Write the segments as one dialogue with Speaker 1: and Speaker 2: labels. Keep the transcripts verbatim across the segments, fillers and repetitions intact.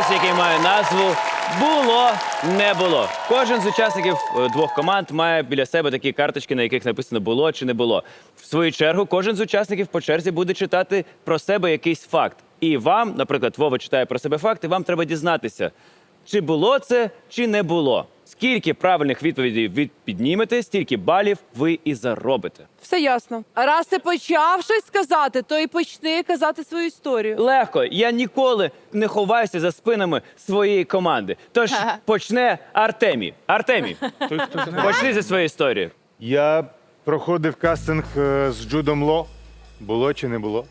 Speaker 1: конкурс, який має назву «Було, не було». Кожен з учасників е, двох команд має біля себе такі карточки, на яких написано «було» чи «не було». В свою чергу, кожен з учасників по черзі буде читати про себе якийсь факт. І вам, наприклад, Вова читає про себе факт, і вам треба дізнатися, чи було це, чи не було. Скільки правильних відповідей ви піднімете, стільки балів ви і заробите.
Speaker 2: Все ясно. А раз ти почав щось сказати, то і почни казати свою історію.
Speaker 1: Легко. Я ніколи не ховаюся за спинами своєї команди. Тож почне Артемій. Артемій, почни зі своєї історії.
Speaker 3: Я проходив кастинг е, з Джудом Ло. Було чи не було?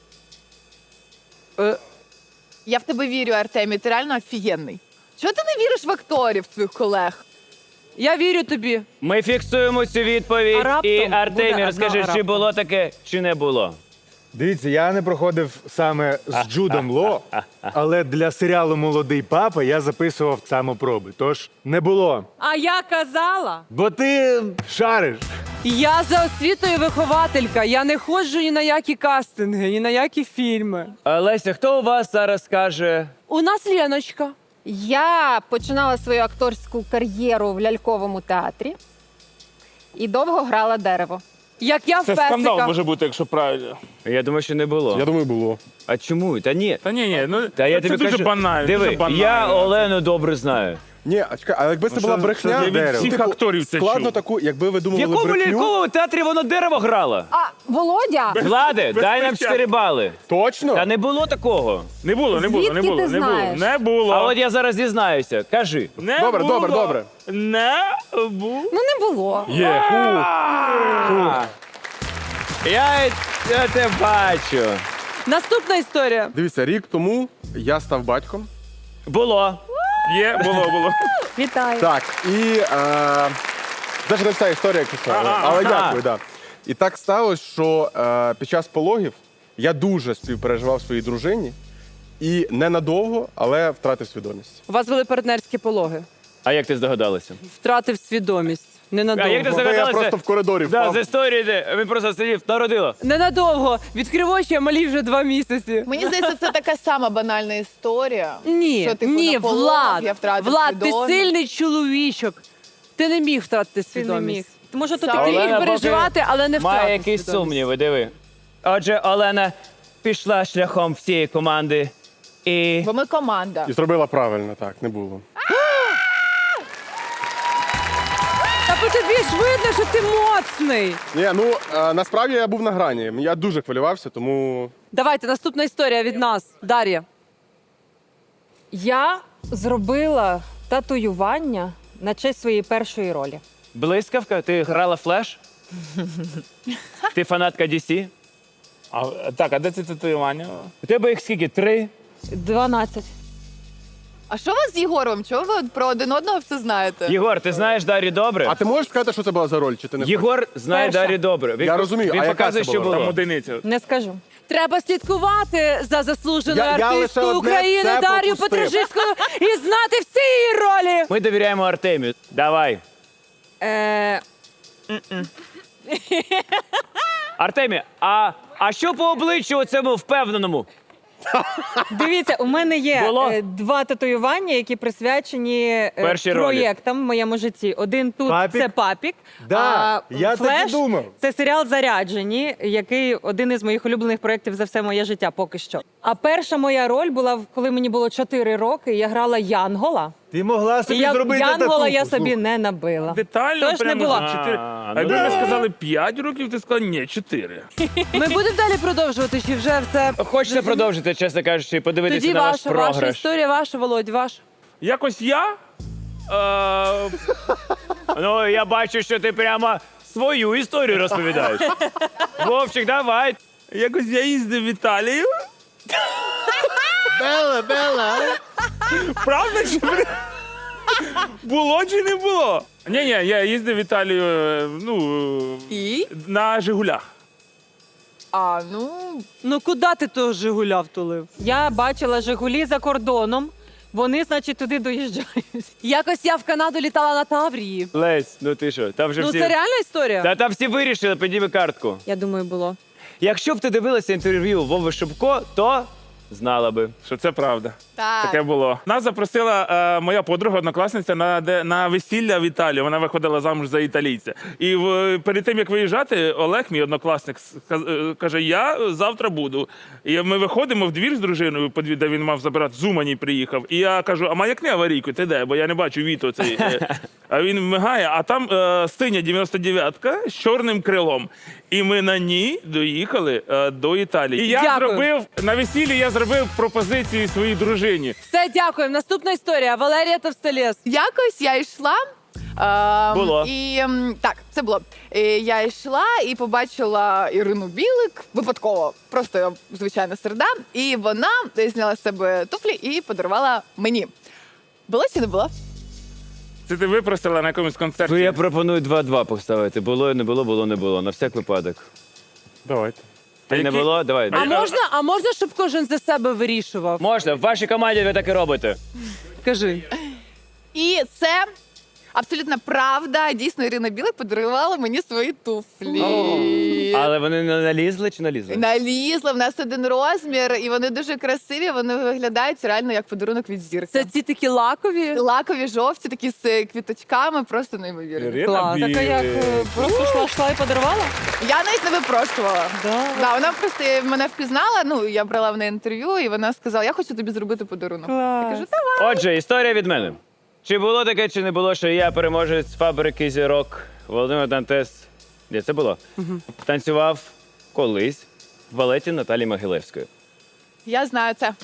Speaker 4: Я в тебе вірю, Артемій, ти реально офігенний. Чого ти не віриш в акторів своїх колег?
Speaker 2: Я вірю тобі.
Speaker 1: Ми фіксуємо цю відповідь.
Speaker 2: А раптом
Speaker 1: І
Speaker 2: буде
Speaker 1: Артемій,
Speaker 2: одна
Speaker 1: розкажи, чи
Speaker 2: раптом.
Speaker 1: було таке, чи не було.
Speaker 3: Дивіться, я не проходив саме з Джудом Ло, але для серіалу Молодий папа я записував самопроби. Тож не було.
Speaker 2: А я казала.
Speaker 3: Бо ти шариш.
Speaker 2: Я за освітою вихователька. Я не ходжу ні на які кастинги, ні на які фільми.
Speaker 1: А, Леся, хто у вас зараз каже?
Speaker 2: У нас Леночка.
Speaker 5: Я починала свою акторську кар'єру в ляльковому театрі і довго грала дерево.
Speaker 2: Як я в
Speaker 6: Це
Speaker 2: песика.
Speaker 6: скандал може бути, якщо правильно.
Speaker 1: Я думаю, що не було.
Speaker 6: Я думаю, було.
Speaker 1: А чому? Та ні.
Speaker 6: Та ні, ні, ну
Speaker 1: Та я
Speaker 6: це
Speaker 1: тобі
Speaker 6: дуже
Speaker 1: кажу,
Speaker 6: банально.
Speaker 1: диви,
Speaker 6: дуже банально.
Speaker 1: я Олену добре знаю.
Speaker 7: Ні, а чекай, а якби це
Speaker 3: Ну,
Speaker 7: була
Speaker 3: що-
Speaker 7: брехня,
Speaker 3: що
Speaker 6: Я від
Speaker 3: дерево.
Speaker 6: всіх
Speaker 7: типу,
Speaker 6: акторів це
Speaker 7: складно
Speaker 6: чув.
Speaker 7: таку, якби ви
Speaker 1: В
Speaker 7: думали
Speaker 1: якому
Speaker 7: брехню.
Speaker 1: ляльковому театрі воно дерево грало?
Speaker 5: А, Володя,
Speaker 1: Влади, дай нам
Speaker 6: печатки.
Speaker 1: чотири бали.
Speaker 7: Точно?
Speaker 1: Та не було такого.
Speaker 6: Не було, не було, не
Speaker 5: Звідки
Speaker 6: було,
Speaker 5: ти
Speaker 6: не було.
Speaker 5: знаєш?
Speaker 6: Не було.
Speaker 1: А от я зараз дізнаюся. Кажи.
Speaker 6: Не
Speaker 7: Добре,
Speaker 6: було.
Speaker 7: добре, добре.
Speaker 6: Не було.
Speaker 5: ну не було.
Speaker 7: Є.
Speaker 1: Я, я те бачу.
Speaker 2: Наступна історія.
Speaker 7: Дивіться, рік тому я став батьком.
Speaker 1: Було.
Speaker 6: Є, було, було.
Speaker 5: Вітаю.
Speaker 7: Так, і е, це ж не вся історія, якщо що, але,
Speaker 6: Ага,
Speaker 7: але
Speaker 1: ага.
Speaker 7: дякую, да. І так сталося, що е, під час пологів я дуже співпереживав своїй дружині і ненадовго, але втратив свідомість.
Speaker 2: У вас були партнерські пологи.
Speaker 1: А як ти здогадалася?
Speaker 2: Втратив свідомість.
Speaker 1: А
Speaker 2: Ненадовго.
Speaker 1: як ти
Speaker 7: Бо я
Speaker 1: здогадалася?
Speaker 7: просто в коридорі
Speaker 1: Да,
Speaker 7: впав.
Speaker 1: з історії, де він просто сидів, народила.
Speaker 2: Ненадовго. Відкрив очі, а малі вже два місяці.
Speaker 4: Мені здається, це така сама банальна історія.
Speaker 2: Ні,
Speaker 4: що, типу,
Speaker 2: ні,
Speaker 4: на пологах
Speaker 2: Влад,
Speaker 4: я втратив
Speaker 2: Влад, ти
Speaker 4: свідомість.
Speaker 2: сильний чоловічок. Ти не міг втратити
Speaker 5: Ти не
Speaker 2: свідомість.
Speaker 5: міг. Тому що тут
Speaker 2: Ти
Speaker 4: Олена
Speaker 2: міг
Speaker 1: поки
Speaker 2: переживати, але не втратив
Speaker 1: Має якісь
Speaker 2: свідомість.
Speaker 1: сумніви, диви. Отже, Олена пішла шляхом всієї команди і...
Speaker 4: Бо ми команда.
Speaker 7: І зробила правильно, так, не було.
Speaker 2: Та по тобі ж видно, що ти моцний.
Speaker 7: Ні, ну е, насправді я був на грані. Я дуже хвилювався, тому
Speaker 2: Давайте, наступна історія від нас. Дар'я.
Speaker 5: я зробила татуювання на честь своєї першої ролі.
Speaker 1: Блискавка, ти грала Флеш? Ти фанатка Ді Сі?
Speaker 6: А, так, а де це татуювання?
Speaker 1: У тебе їх скільки? Три?
Speaker 5: дванадцять.
Speaker 4: А що у вас з Єгором? Чого ви про один одного все знаєте?
Speaker 1: Єгор, ти знаєш Дар'ю добре?
Speaker 7: А ти можеш сказати, що це була за роль, чи ти не хочеш?
Speaker 1: Єгор знає
Speaker 5: Перша.
Speaker 1: Дар'ю добре. Він,
Speaker 7: Я розумію,
Speaker 1: Він
Speaker 7: а яка
Speaker 1: показує,
Speaker 7: це
Speaker 1: що
Speaker 7: була?
Speaker 1: було.
Speaker 6: Там одиниця.
Speaker 5: Не скажу.
Speaker 2: Треба слідкувати за заслуженою
Speaker 7: Я- я лише
Speaker 2: артисткою
Speaker 7: одне
Speaker 2: України
Speaker 7: це
Speaker 2: Дар'ю
Speaker 7: пропустив.
Speaker 2: Петрижицькою і знати всі її ролі.
Speaker 1: Ми довіряємо Артемію. Давай.
Speaker 5: Е,
Speaker 1: Артемій, а, а що по обличчю цьому впевненому?
Speaker 5: Дивіться, у мене є
Speaker 1: Було?
Speaker 5: е, два татуювання, які присвячені е,
Speaker 1: Першій ролі.
Speaker 5: проєктам в моєму житті. Один тут
Speaker 3: Папік?
Speaker 5: це папік.
Speaker 3: Да,
Speaker 5: а
Speaker 3: я так і
Speaker 5: «Флеш»
Speaker 3: думав.
Speaker 5: це серіал Заряджені, який один із моїх улюблених проєктів за все моє життя поки що. А перша моя роль була, коли мені було чотири роки. Я грала Янгола.
Speaker 3: Ти могла
Speaker 5: І
Speaker 3: собі
Speaker 5: я
Speaker 3: зробити
Speaker 5: Янгола
Speaker 3: татуху,
Speaker 5: я собі
Speaker 3: слухай.
Speaker 5: не набила.
Speaker 6: Детально
Speaker 5: Тож не
Speaker 6: прямо
Speaker 5: було.
Speaker 6: за чотири.
Speaker 1: А,
Speaker 6: А
Speaker 1: ну
Speaker 6: якби
Speaker 1: да.
Speaker 6: ми сказали п'ять років, ти сказала ні, чотири.
Speaker 2: Ми будемо далі продовжувати, чи вже все?
Speaker 1: Хочете продовжити, чесно кажучи, і подивитися
Speaker 2: Тоді
Speaker 1: на ваш
Speaker 2: ваша, ваша
Speaker 1: програш?
Speaker 2: історія, ваша, Володь, ваша.
Speaker 6: Якось я. Е,
Speaker 1: Ну, я бачу, що ти прямо свою історію розповідаєш. Вовчик, давай.
Speaker 6: якось я їздив в Італію.
Speaker 3: Бела, Бела.
Speaker 6: Правда чи бре- було чи не було? Ні, ні, я їздив в Італію, е, ну,
Speaker 4: І?
Speaker 6: на Жигулях.
Speaker 4: А, ну,
Speaker 2: Ну куди ти того Жигуля втулив?
Speaker 5: Я бачила Жигулі за кордоном. Вони, значить, туди доїжджають.
Speaker 2: Якось я в Канаду літала на Таврії.
Speaker 1: Лесь, ну ти що, там вже
Speaker 2: Ну
Speaker 1: всі...
Speaker 2: це реальна історія?
Speaker 1: Та там всі вирішили, підніми картку.
Speaker 5: Я думаю, було.
Speaker 1: Якщо б ти дивилася інтерв'ю Вови Шубко, то знала би.
Speaker 6: Що це правда.
Speaker 4: Так.
Speaker 6: Таке було. Нас запросила е, моя подруга, однокласниця на, де, на весілля в Італію. Вона виходила замуж за італійця. І в, перед тим, як виїжджати, Олег, мій однокласник, сказ- е, каже, я завтра буду. І ми виходимо в двір з дружиною, по дві- де він мав забирати, з Умані приїхав. І я кажу, а маякни аварійку, ти де? Бо я не бачу Віто цей. Е. А він вмигає, а там е, синя дев'яносто дев'ятка з чорним крилом. І ми на ній доїхали е, до Італії. І я
Speaker 2: Дякую.
Speaker 6: зробив, на весіллі я зробив пропозицію своїй дружині.
Speaker 2: Все, дякую. Наступна історія. Валерія Товстолєс.
Speaker 4: Якось я йшла. ем,
Speaker 1: Було.
Speaker 4: І ем, так, це було. І я йшла і побачила Ірину Білик випадково. Просто звичайна середа. І вона зняла з себе туфлі і подарувала мені. Було чи не було?
Speaker 6: Це ти випросила на якомусь концерті?
Speaker 1: Ну, я пропоную два-два поставити. Було, не було, було, не було. На всяк випадок.
Speaker 6: Давайте.
Speaker 1: Ти не
Speaker 6: які-
Speaker 1: було? Давай.
Speaker 2: А можна, а можна, щоб кожен за себе вирішував?
Speaker 1: Можна, в вашій команді ви так і робите.
Speaker 2: Кажи.
Speaker 4: І це абсолютно правда. Дійсно, Ірина Білик подарувала мені свої туфлі.
Speaker 1: Але вони не налізли чи налізли?
Speaker 4: Налізла, в нас один розмір, і вони дуже красиві. Вони виглядають реально як подарунок від зірки.
Speaker 2: Це ці такі лакові.
Speaker 4: Лакові, жовті, такі з квіточками, просто неймовірні.
Speaker 6: Ірина
Speaker 2: Клас.
Speaker 6: Білик.
Speaker 5: Так, а як е, просто йшла, йшла і подарувала?
Speaker 4: Я навіть не випрошувала.
Speaker 5: Да.
Speaker 4: Да, вона просто мене впізнала. Ну я брала в неї інтерв'ю, і вона сказала: я хочу тобі зробити подарунок. Я кажу, давай.
Speaker 1: Отже, історія від мене. Чи було таке, чи не було, що я переможець фабрики зірок Володимир Дантес. Ні, це було. Танцював колись в балеті Наталі Могилевської.
Speaker 4: Я знаю це.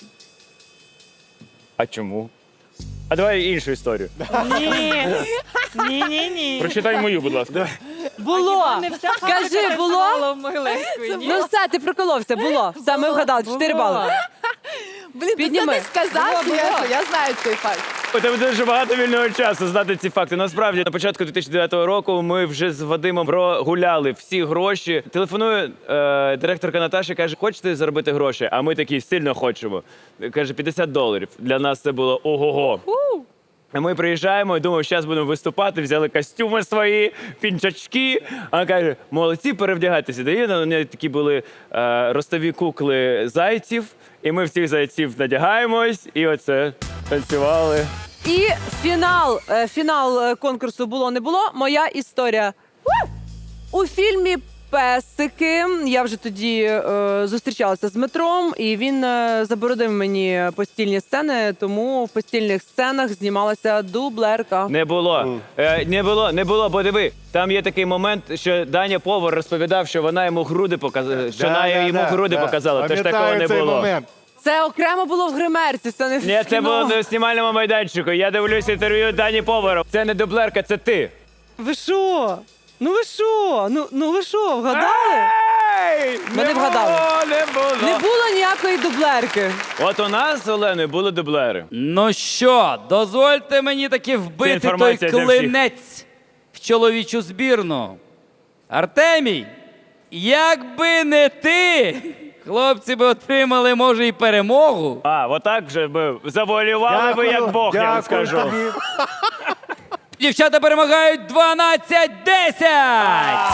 Speaker 1: А чому? А давай іншу історію.
Speaker 5: Ні. Ні, ні, ні.
Speaker 6: Прочитай мою, будь ласка.
Speaker 2: Було.
Speaker 5: Не вся
Speaker 2: Кажи,
Speaker 5: фабрика
Speaker 2: було?
Speaker 5: танцювала в Могилевської, ні?
Speaker 2: Ну все, ти проколовся. Було. Все, ми вгадали. Чотири
Speaker 5: Було.
Speaker 2: бали.
Speaker 4: Блін, ти це
Speaker 2: Підніми.
Speaker 4: не сказав,
Speaker 5: Було,
Speaker 4: я,
Speaker 5: було.
Speaker 4: я знаю цей факт.
Speaker 1: У тебе дуже багато вільного часу знати ці факти. Насправді, на початку дві тисячі дев'ятого року ми вже з Вадимом прогуляли всі гроші. Телефонує е, директорка Наташа, каже, хочете заробити гроші? А ми такі сильно хочемо. Каже, п'ятдесят доларів. Для нас це було ого-го. А ми приїжджаємо і думаємо, зараз будемо виступати, взяли костюми свої, пінчачки. А вона каже, молодці, перевдягайтеся. Дає на неї такі були е, ростові кукли зайців, і ми всіх зайців надягаємось, і оце танцювали.
Speaker 2: І фінал, е, фінал е, конкурсу було не було. Моя історія. У фільмі Песики я вже тоді е, зустрічалася з Дмитром, і він е, заборонив мені постільні сцени, тому в постільних сценах знімалася дублерка.
Speaker 1: Не було. Е, не було, не було, бо диви, там є такий момент, що Даня Повар розповідав, що вона йому груди показала, що вона йому груди показала, тож такого не
Speaker 3: цей
Speaker 1: було.
Speaker 3: момент.
Speaker 2: Це окремо було в гримерці, це не в
Speaker 1: Ні, це
Speaker 2: кіно.
Speaker 1: було на знімальному майданчику. Я дивлюся інтерв'ю Дані Повара. Це не дублерка, це ти.
Speaker 2: Ви що? Ну ви що? Ну, ну ви що, вгадали?
Speaker 1: Ей!
Speaker 2: Ми не вгадали.
Speaker 1: було, не було.
Speaker 2: Не було ніякої дублерки.
Speaker 1: От у нас з Оленою були дублери.
Speaker 8: Ну що, дозвольте мені таки
Speaker 1: Це
Speaker 8: вбити той
Speaker 1: інформація для всіх.
Speaker 8: клинець в чоловічу збірну. Артемій, якби не ти, хлопці би отримали, може, і перемогу.
Speaker 1: А, отак вже би завуалювали би як Бог, я вам
Speaker 3: дякую
Speaker 1: скажу.
Speaker 3: тобі.
Speaker 8: Дівчата перемагають дванадцять десять!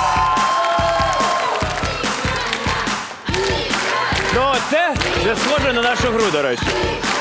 Speaker 1: Ну, це вже схоже на нашу гру, до речі.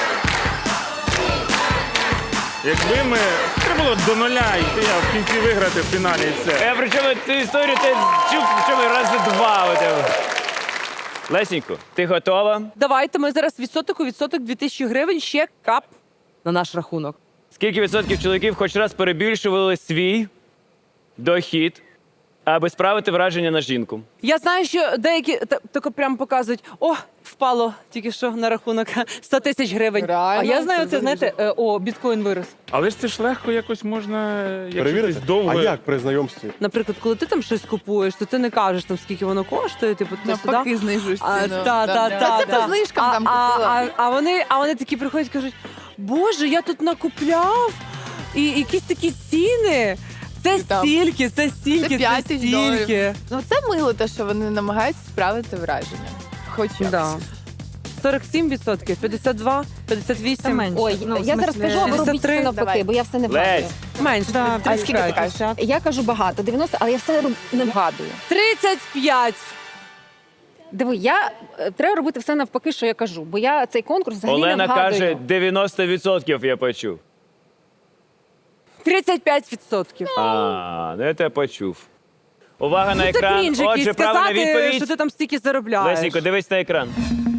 Speaker 6: Якби ми... Треба було до нуля йти, а в кінці виграти в фіналі і все.
Speaker 1: Я причому цю історію ти чув, причому рази два. у тебе. Лесенько, ти готова?
Speaker 2: Давайте ми зараз відсоток у відсоток дві тисячі гривень ще кап на наш рахунок.
Speaker 1: Скільки відсотків чоловіків хоч раз перебільшували свій дохід, аби справити враження на жінку?
Speaker 2: Я знаю, що деякі та- тако прямо показують, о, впало тільки що на рахунок сто тисяч гривень.
Speaker 4: Реально?
Speaker 5: А я знаю,
Speaker 4: Це
Speaker 5: це, знаєте, е, о, біткоін вирос.
Speaker 6: Але ж це ж легко якось можна, якщо
Speaker 7: Перевірити?
Speaker 6: десь довго...
Speaker 7: А як при знайомстві?
Speaker 2: Наприклад, коли ти там щось купуєш, то ти не кажеш, там, скільки воно коштує, типу, ти
Speaker 4: Навпаки,
Speaker 2: сюди.
Speaker 4: знижуєш
Speaker 2: А,
Speaker 4: ціну.
Speaker 2: та,
Speaker 4: Да,
Speaker 2: та,
Speaker 4: да.
Speaker 2: та,
Speaker 4: Та це
Speaker 2: та.
Speaker 4: по знижкам
Speaker 2: а,
Speaker 4: там
Speaker 2: а,
Speaker 4: купила.
Speaker 2: а, а, вони, а вони такі приходять і кажуть, боже, я тут накупляв, і якісь такі ціни. Це
Speaker 4: І там.
Speaker 2: стільки, це стільки,
Speaker 4: Це
Speaker 2: це,
Speaker 4: п'ять тисяч доларів.
Speaker 2: стільки.
Speaker 4: Ну це мило, те, що вони намагаються справити враження. Хоч якось.
Speaker 2: Да. сорок сім відсотків, п'ятдесят два, п'ятдесят вісім.
Speaker 5: менше.
Speaker 9: Ой,
Speaker 5: Ну, в
Speaker 9: я зараз
Speaker 5: смислі,
Speaker 9: кажу, а ви робіть
Speaker 2: шістдесят три.
Speaker 9: все навпаки,
Speaker 4: Давай.
Speaker 9: бо я все не вгадую.
Speaker 1: Лесь,
Speaker 2: Менше.
Speaker 5: Да,
Speaker 2: тридцять
Speaker 4: а скільки ти
Speaker 2: п'ять.
Speaker 4: кажеш?
Speaker 9: Я кажу багато, дев'яносто, але я все роб- не вгадую.
Speaker 2: тридцять п'ять.
Speaker 5: Диви, я е, треба робити все навпаки, що я кажу, бо я цей конкурс взагалі не
Speaker 1: Олена
Speaker 5: вгадую.
Speaker 1: каже дев'яносто відсотків, я почув.
Speaker 2: тридцять п'ять відсотків.
Speaker 1: А, ну я тебе почув. Увага на
Speaker 2: Ну, це
Speaker 1: екран.
Speaker 2: крінж
Speaker 1: Отже,
Speaker 2: якийсь
Speaker 1: правильна
Speaker 2: сказати,
Speaker 1: відповідь.
Speaker 2: що ти там стільки заробляєш.
Speaker 1: Лесенько, дивись на екран.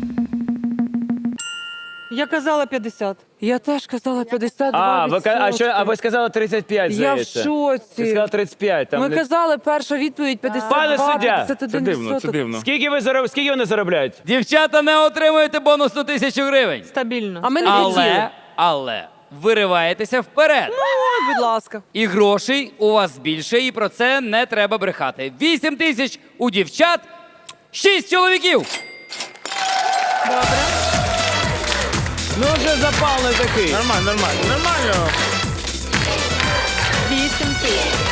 Speaker 5: Я казала п'ятдесят.
Speaker 2: Я теж казала п'ятдесят два
Speaker 1: А, ви,
Speaker 2: відсотки.
Speaker 1: ка- а, що, а ви сказали тридцять п'ять,
Speaker 2: Я в
Speaker 1: здається.
Speaker 2: шоці.
Speaker 1: Ти сказала тридцять п'ять. Там
Speaker 2: Ми
Speaker 1: не-
Speaker 2: казали, перша відповідь п'ятдесят два,
Speaker 1: Пане суддя,
Speaker 2: п'ятдесят один
Speaker 6: Це дивно, це
Speaker 2: відсоток.
Speaker 6: дивно.
Speaker 1: Скільки, ви зароб... Скільки вони заробляють?
Speaker 8: Дівчата не отримуєте бонусну тисячу гривень.
Speaker 5: Стабільно.
Speaker 2: А ми не відділи.
Speaker 8: Але, але, вириваєтеся вперед.
Speaker 2: Ой, будь ласка.
Speaker 8: І грошей у вас більше, і про це не треба брехати. Вісім тисяч у дівчат, шість чоловіків.
Speaker 1: Ну вже запал не такий.
Speaker 6: Нормально, нормально, нормально.
Speaker 5: Вісім тисяч.